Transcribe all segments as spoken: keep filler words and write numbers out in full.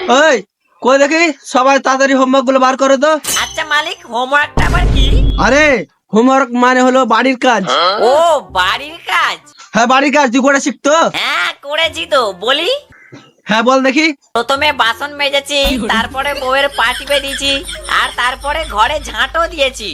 ওই কই দেখি সবাই তাড়াতাড়ি হোমওয়ার্ক গুলো বার করে তো। আচ্ছা মালিক, হোমওয়ার্কটা আবার কি? আরে হোমওয়ার্ক মানে হলো বাড়ির কাজ। ও বাড়ির কাজ? হ্যাঁ বাড়ির কাজ তুই করে শিখতো। হ্যাঁ করেছি তো, বলি। হ্যাঁ বল দেখি। প্রথমে বাসন মেজেছি, তারপরে বউয়ের পা টিপে দিয়েছি, আর তারপরে ঘরে ঝাঁটও দিয়েছি।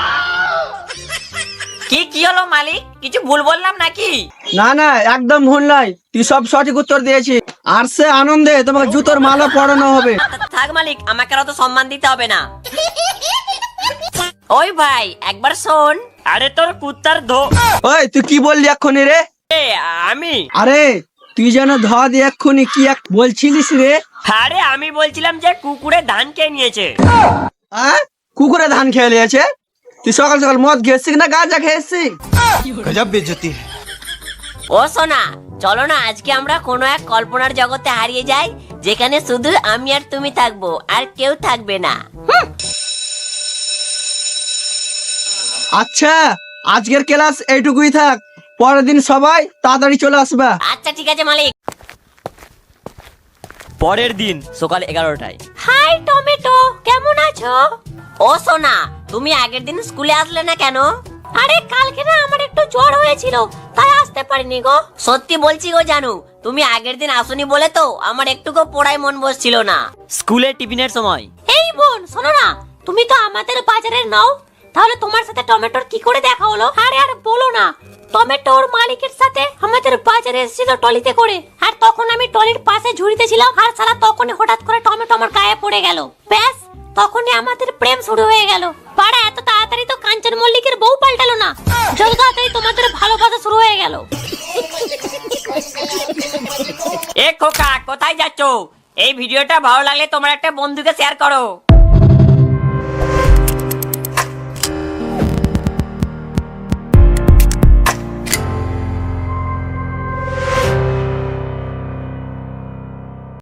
কি কি হলো মালিক, কিছু ভুল বললাম নাকি? না না একদম ভুল নয়, তুই সব সঠিক উত্তর দিয়েছিস। আর সে আনন্দে তোমাকে জুতোর মালা পরানো হবে। থাক মালিক, আমাকে অত সম্মান দিতে হবে না। ওই ভাই একবার শোন। আরে তোর কুত্তার ধো। ওই তুই কি বললি এক্ষুনি রে? এ, আমি আরে তুই যেন ধোয়া দিয়ে এক্ষুনি কি এক বলছিলিস রে? আরে আমি বলছিলাম যে কুকুরে ধান খেয়ে নিয়েছে। আহ কুকুরে ধান খেয়ে নিয়েছে? তুই সকাল সকাল মদ খেয়েছিস না গাঁজা খেয়েছিস? गजब बेइज्जती है। ও সোনা, চলো না আজকে আমরা কোনো এক কল্পনার জগতে হারিয়ে যাই, যেখানে শুধু আমি আর তুমি থাকবো, আর কেউ থাকবে না। আচ্ছা আজকের ক্লাস এইটুকুই থাক, পরের দিন সবাই তাড়াতাড়ি চলে আসবা। আচ্ছা ঠিক আছে মালিক। পরের দিন সকাল এগারোটায়। হাই টমেটো, কেমন আছো? ও সোনা, তুমি আগের দিন স্কুলে আসলে না কেন? আরে কালকে না আমার একটু জ্বর হয়েছিল, তাই আসতে পারিনি গো। সত্যি বলছি গো জানু, তুমি আগের দিন আসনি বলে তো আমার একটুকু পড়ায় মন বসছিল না। স্কুলে টিফিনের সময়। এই বোন শোনো না, তুমি তো আমাদের বাজারের নাও, তাহলে তোমার সাথে টমেটোর কি করে দেখা হলো? আরে আর বলো না, টমেটোর মালিকের সাথে আমাদের বাজারে এসেছিল টলিতে করে, আর তখন আমি টলির পাশে ঝুড়িতে ছিলাম, আর সারা তখনই হঠাৎ করে টমেটো আমার গায়ে পড়ে গেল। ব্যাস তখনই আমাদের প্রেম শুরু হয়ে গেল। পাড়া এত তাড়াতাড়ি তো কাঞ্চন মল্লিকের বউ পাল্টালো না, যত তাড়াতাড়ি তোমাদের ভালোবাসা শুরু হয়ে গেল। এ খোকা, কোথায় যাচ্ছো? এই ভিডিওটা ভালো লাগলে তোমার একটা বন্ধুকে শেয়ার করো।